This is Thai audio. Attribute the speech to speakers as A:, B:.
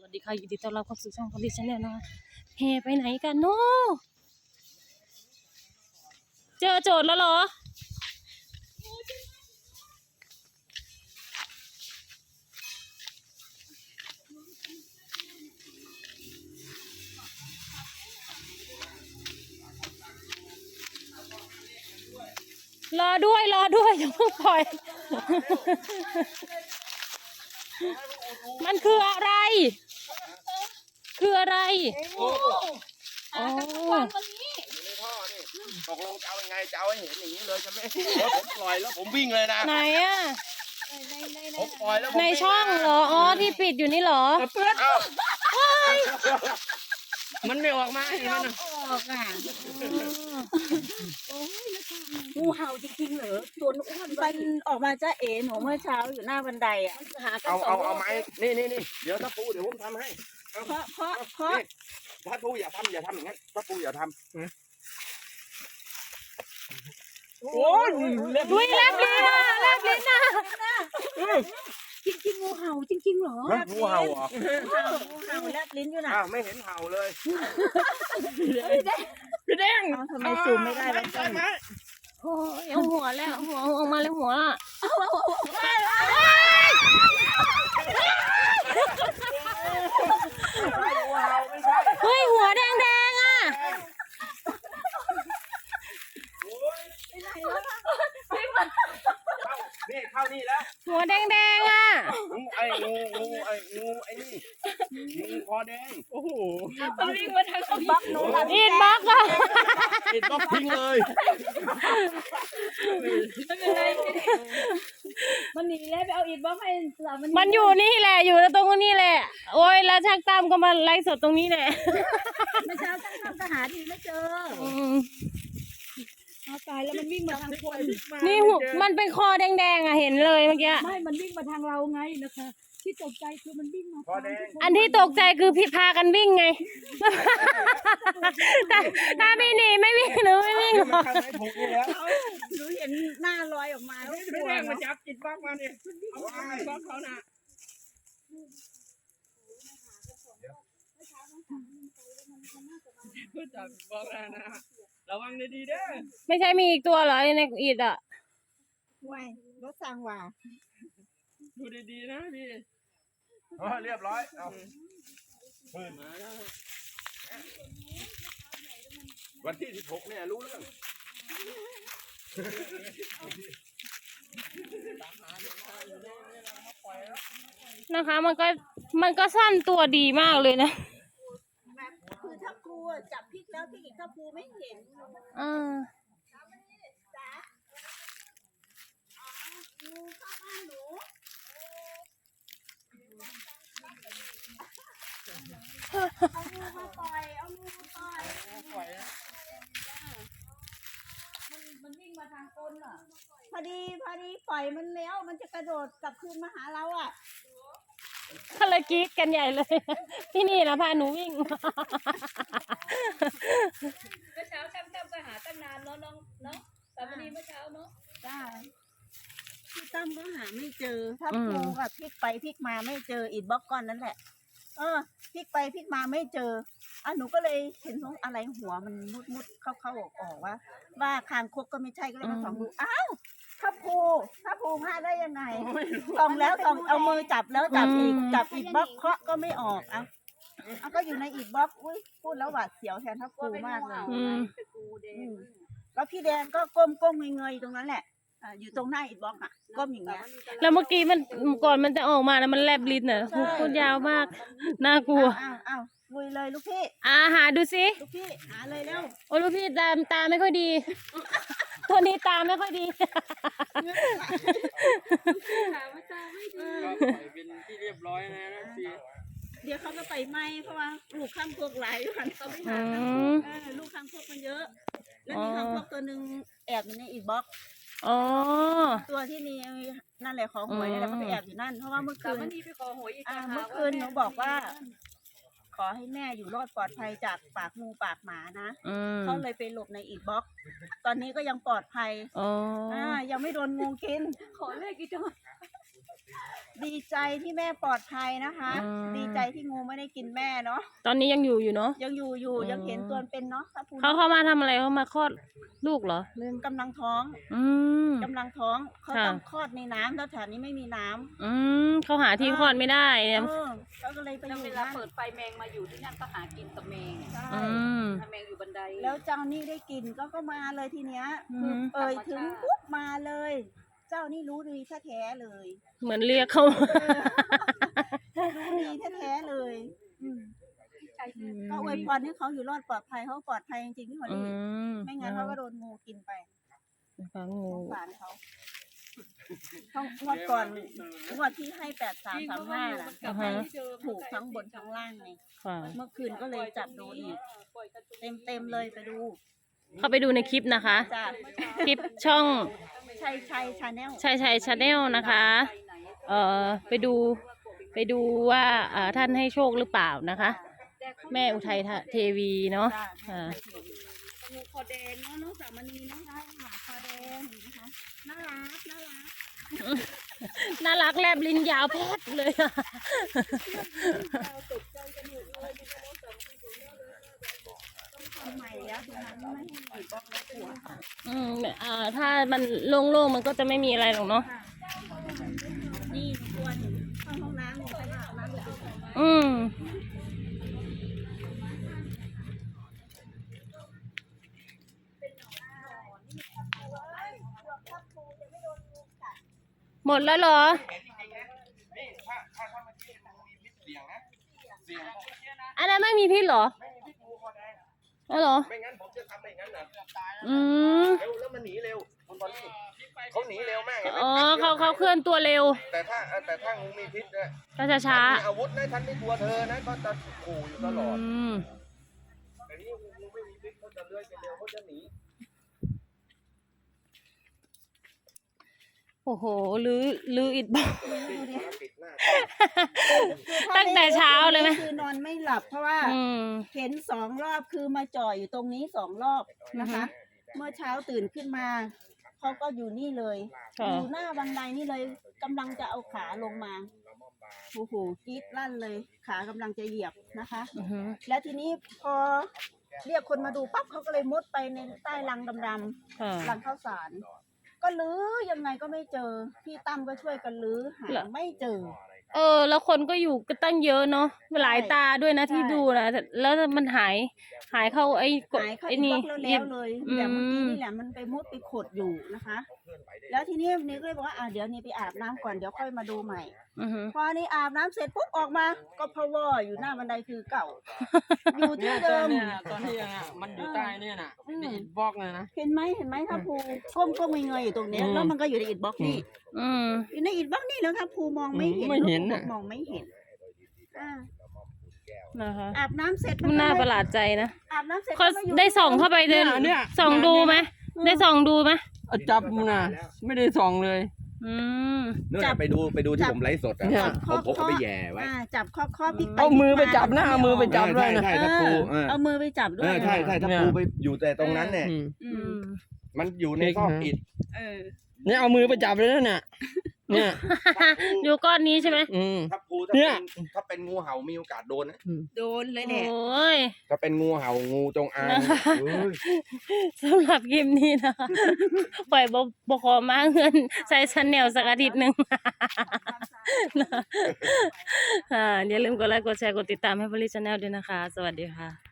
A: วัสดีค่ะยินดีต้อนรับเข้าสู่ช่องของดิฉันเนี่ยนะคะเฮไปไหนกันเนาะเจอโจทย์แล้วเหรอรอด้วยอย่าเพิ่งปล่อย มันคืออะไร
B: โอ้
A: อ๋อ
B: อยู่ในท่อนี่ตกลงจะเอายังไงจะเอาให้เห็นอย่างนี้เลยจะไม่ผมปล่อยแล้วผมวิ่งเลยนะ
A: ไหนอ่ะ
B: ผมปล่อยแล้วผม
A: ในช่องเหรออ๋อที่ปิดอยู่นี่เหรอ
C: มันไม่ออกมาเห็นไหมนะ
D: ออกอ่ะงูเห่าจริงๆเหรอตัวอ้วนมันออกมาจ้าเอ๋หนูเมื่อเช้าอยู่หน้าบันไดอ่ะหากัน
B: เอาไม้นี่เดี๋ยวถ้าปูเดี๋ยวผมทำให้
D: เพราะ
B: ถ้าปูอย่าทำอย่างนั้นถ้าปูอย่าทำ
C: โอ้ย
A: ดุยแลบลิ้นนะ
D: จริงๆงูเห่าจริงๆเหรอ
B: งูเห่าเหรอ
D: งูเห่าแลบลิ้นอยู่นะ
B: อ้าวไม่เห็นเห่าเลย
C: พี่แดง
D: เอาทำไมซูมไม่ได้แล้วจ้า
A: โอ้ยเอาหัวแล้วหัวออกมาเลยหัวอ่ะ
B: งูเห่าไม่ใช่
A: เฮ้ยหัวแดงอ่ะ
B: นี่เข้านี่แล้ว
A: หัวแดงอ่ะ
B: งูไอ้นี่งูคอแดง
C: โอ้โห
A: อีดบล็อกอ่ะ
B: ติดก็ทิ้งเลย
D: มันหนีแล้วไปเอาอีกบ้างให้สาวมัน
A: มันอยู่นี่แหละอยู่ตรงนี้แหละโอ้ยแล้วช่างตั้มก็มาไลฟ์สดตรงนี้แหละ
D: เมื่อเช้าตั้งทำทหารทีไม่เจอ
A: อืม
D: เอาตายแล้วมันวิ่งมาทางคน
A: นี่หัวมันเป็นคอแดงอ่ะเห็นเลยเมื่อกี้
D: ไม่มันวิ่งมาทางเราไงนะคะที่ตกใจคือมันวิ่งมา
B: คอแดง
A: อันที่ตกใจคือพี่พากันวิ่งไง ถ้าไม่หนีไม่วิ่งหรือไม่วิ่งหรอก
B: ข้างไหนถูกนี่แล้ว
D: หนูเห็นหน้าลอยออกมาแล้ว
C: พี่แดงมาจับจิตบ้างมาเนี่ยบ้างเขาน่ะจับบอกแล้วนะระวังดีๆเด้อ
A: ไม่ใช่มีอีกตัวเหรอในอีดอ่ะ
D: ว้ายรถสั่งว่า
C: ดูดีๆนะพี่
B: เรียบร้อยเอาปืน
C: มาแล้ว
B: วันที่16เนี่ยรู้เรื่อง
A: นะคะมันก็สั้นตัวดีมากเลยนะ
D: แบบคือถ้าครูจับพลิกแล้วพลิกอีกถ้าครูไม่เห็น
A: อ่า
D: จ๋างูเข้าบ้านหนูเอางูมาปล่อยเอางูมาปล่อย
C: ปล่อยนะ
D: มันวิ่งมาทางก้นอ่ะพอดีปล่อยมันแล้วมันจะกระโดดกลับคืนมาหาเราอ่ะ
A: ก็เลยกรี๊ดกันใหญ่เลย ที่นี่นะพาหนูวิ่ง
E: เมื่อเช้าตั้มก็หาตั้งนานเนาะน้องเนาะสามนีเมื่อเช้าเนาะ
D: จ้าพี่ตั้มก็หาไม่เจอถ้าครูกับพลิกไปพลิกมาไม่เจออิดบล็อกก้อนนั่นแหละพลิกไปพลิกมาไม่เจอหนูก็เลยเห็นของอะไรหัวมันมุดเข้าออกว่าคางคกก็ไม่ใช่ก็เลยมาส่องดูอ้าวถ้าภูพลาดได้ยังไงส่องแล้วส่องเอามือจับแล้วจับอีกบล็อกเคาะก็ไม่ออกเอาก็อยู่ในอีกบล็อกอุ้ยพูดแล้วหวาดเสียวแทนทัพภูมากเลย
A: อืม
D: แล้วพี่แดงก็ก้มเงยๆตรงนั้นแหละอยู่ตรงหน้าอีกบล็อกก้มอย่างเงี้ย
A: แล้วเมื่อกี้มันก่อนมันจะออกมานะมันแลบลิ้นอ่ะพูดยาวมากน่ากลัว
D: อ้าวลุยเลยลูกพี่
A: หาดูสิ
D: ลูกพี่หาเลยเร็ว
A: โอ้ลูกพี่ตาไม่ค่อยดี ตัวนี้ตาไม่ค่อยดี
E: ถามว่าตาไม่ดี
C: ก็ปล่อยเป็นที่เรียบร้อยนะพี่
D: เดี๋ยวเขาก็ไปไหมเพราะว่าลูกข้างพวกหลายวันเขาไม่หาลูกข้างพวกมันเยอะ แล้วมีข้างพวกตัวหนึ่งแอบอยู่ในอีกบล็อก
A: อ๋อ
D: ตัวที่นี่นั่นแหละขอหวยนั่นแหละเขาไปแอบอยู่นั่นเพราะว่าเมื่อ
E: สา
D: คื
E: ม
D: น
E: นีไปขอหวยอีก
D: เมื่อคืนหนูบอกว่า ขอให้แม่อยู่รอดปลอดภัยจากปากงูปากหมานะ
A: อืม
D: เขาเลยไปหลบในอีกบล็อก ตอนนี้ก็ยังปลอดภัย
A: อ๋อ
D: ยังไม่โดนงูกิน
E: ขอเลขอีกจัง
D: ดีใจที่แม่ปลอดภัยนะคะ
A: อืม
D: ดีใจที่งูไม่ได้กินแม่เนาะ
A: ตอนนี้ยังอยู่เนาะ
D: ยังอยู่ยังเห็นตัวเป็นเนาะถ้าพูด
A: เขามาทำอะไรเขามาคลอดลูกเหรอเรื่อง
D: กำลังท้อง
A: อืม
D: กำลังท้องเขา
A: ค่ะ
D: ต้องคลอดในน้ำแล้วแถวนี้ไม่มีน้ำ
A: อืมเขาหาที่คลอดไม่ได้
D: เขาก็เลยไปอ
E: แล้ว
D: ยู่
E: เวลา
D: นั่น
E: เปิดไฟแมงมาอยู่ที่นั่นก็หากินกับแมง
D: ใช่
A: อืม
E: ถ้าแมงอยู่บันได
D: แล้วเจ้านี่ได้กินก็มาเลยทีเนี้ย
A: อืม
D: คือเอ่ยถึงปุ๊บมาเลย เจ้านี่รู้ดีแท้ๆเลย
A: เหมือนเรียกเขา
D: รู้ดีแท้ๆเลยอืมก็อวยพรให้เขาอยู่รอดปลอดภัยเขาปลอดภัยจริงๆพี่หมอ
A: อื
D: นี่
A: ม
D: ไม่งั้นเขาก็โดนงูกินไป
A: ฟังงู
D: สงสารเขางวดก่อนงวดที่ให้8335น่ะ
A: อ่าฮะ
D: ถูกทั้งบนทั้งล่างไง
A: ค่ะ
D: เมื่อคืนก็เลยจับดูอีก เต็มเลยไปดู
A: เข้าไปดูในคลิปนะคะ
D: จ้า
A: คลิปช่อง
D: ชัยชาแนล
A: ชัยชาแนลนะคะ ไปดูว่าท่านให้โชคหรือเปล่านะคะ แม่อุทัยเทวีเนาะ
D: จ้า
A: อ่า
D: งูคอแดงเนาะน้องสามณีเนาะใช่ค่ะคอแดงนะคะน่ารัก
A: น่ารักแลบลิ้นยาวแพทเลยอะ
D: ทำไมแล้วทีนั้นไม่ให้หยุดบล็อกแล้วกลัว
A: ถ้ามันโล่งๆมันก็จะไม่มีอะไรหรอกเนาะ
D: นี่ตัวหนูเข้าห้องน้ำหนูไปอาบน้ำอยู่ตรงไหน
A: อืม หมดแล้วเหรอ
B: นี่ถ้าเมื่อกี้มันมีพิษเสี่ยงนะเสี่ยง
A: อันนั้นไม่มีพิษเหรอ
B: ไม่มีพิษงูคอแดง
A: อ๋อเหรอ
B: ไม่งั้นผมจะทำไม่งั้นนะ
A: อืม
B: แล้วมันหนีเร็วคุณบอลลี่เขาหนีเร็วมากเห็นไหม
A: อ๋อเขาเคลื่อนตัวเร็ว
B: แต่ถ้างูมีพิษเนี่ย
A: ก็จะช้า
B: มีอาวุธนะฉันไม่กลัวเธอนะก็จะขู่อยู่ตลอด
A: อืม
B: แต่นี่งูไม่มีพิษเขาจะเลื้อยไปเร็วเขาจะหนี
A: โอ้โหลืออิดบอก
B: ปิดหน้า
A: ตั้งแต่เช้าเลยไหม
D: คือนอนไม่หลับเพราะว่า
A: อืม
D: เห็น2 รอบคือมาจ่ออยู่ตรงนี้2 รอบนะคะ เมื่อเช้าตื่นขึ้นมาเขาก็อยู่นี่เลย
A: ค่ะ
D: อยู่หน้าบันไดนี่เลยกำลังจะเอาขาลงมาโอ้โหกรี๊ดลั่นเลย ขากำลังจะเหยียบนะคะ
A: อือหือ
D: แล้วทีนี้พอเรียกคนมาดูปั๊บเขาก็เลยมุดไปในใต้รังดำ
A: ค่ะ
D: ๆรังข้าวสาร ก็ลื้อยังไงก็ไม่เจอ พี่ตั้มก็ช่วยกันลื้อหา
A: เหรอ
D: ไม่เจอ
A: แล้วคนก็อยู่ก็ตั้งเยอะเนาะหลายตาด้วยนะ
D: ใช่
A: ที่ดูนะแล้วมันหายเข้าไอ้กด
D: หายเข้า
A: ไอ้
D: อิน
A: นี่
D: บ็อกซ์แล้วเลย
A: อืม
D: แบบเมื่อกี้นี่แหละมันไปมุดไปขดอยู่นะคะ แล้วทีนี้นี่ก็เลยบอกว่าเดี๋ยวนี้ไปอาบน้ำก่อนเดี๋ยวค่อยมาดูใหม่
A: อือหือ
D: พอนี่อาบน้ำเสร็จปุ๊บออกมาก็พะวออยู่หน้าบันไดคือเก่า อยู่ที่เดิม
C: เนี่ยตอนที่ยังอ่ะมันอยู่ใต้เนี่ยน่ะในอิฐบล็อกเลยนะ
D: เห็นไหมถ้าภูก้มเงยๆอยู่ตรงเนี้ย
C: อืม
D: แล้วมันก็อยู่ในอิฐบล็อกนี่
A: อืม
D: อยู่ในอิฐบล็อกนี่แล้วถ้าภูมองไม่เห็น
C: ไม่เห็น
D: ลูก
C: น่ะ
D: มองไม่เห็นอ่า
A: นะคะ
D: อาบน้ำเสร็จ
A: มันน่า
D: ก็
A: ประหลาดใจนะ
D: อาบน้ำเสร็จ
A: เขา
D: ก็มาอยู่
A: ได้ส่องเข้าไปเดิน
C: เนี่ย
A: ส่องดูไหมได้ส่องดูไหม
C: เอาจับมันน่ะไม่ได้ส่องเลย
A: อืม
B: นู่นน่ะไปดูที่ผมไลฟ์สดอ่ะ
C: เนี่ย
B: ผมเอาไปแย่ไว้
D: จับข้อพลิกไป
C: เอามือไปจับนะ
D: พลิก
C: เอามือไปจับด้วยนะ
B: ใช่ถ้าครูเออ
D: เอามือไปจับด้ว
B: เอย อใช่ถ้าครูไปอยู่แต่ตรงนั้นเนี่ย
C: อืม
D: อื
A: อื
D: ม
A: ม
B: มันอยู่ในซอกอิฐ
D: เออ
C: เนี่ยเอามือไปจับเลยนะเนี่ยเนี่ย
A: ดูก้อนนี้ใช่ไหม
C: อืม
B: ถ้าครู
C: เนี่ย
B: ถ้าเป็นงูเห่ามีโอกาสโดนนะ
D: โดนเลย
A: โอ
D: แหละ
A: ้ย
B: ถ้าเป็นงูเห่างูจงอางเฮ้ย
A: สำหรับคลิปนี้นะคะ ปล่อยบขอมาเงินใช้ชันแนลสักอาทิตย์หนึ่ง อย่าลืมกดไลค์กดแชร์กดติดตามให้บริชแนลด้วยนะคะ สวัสดีค่ะ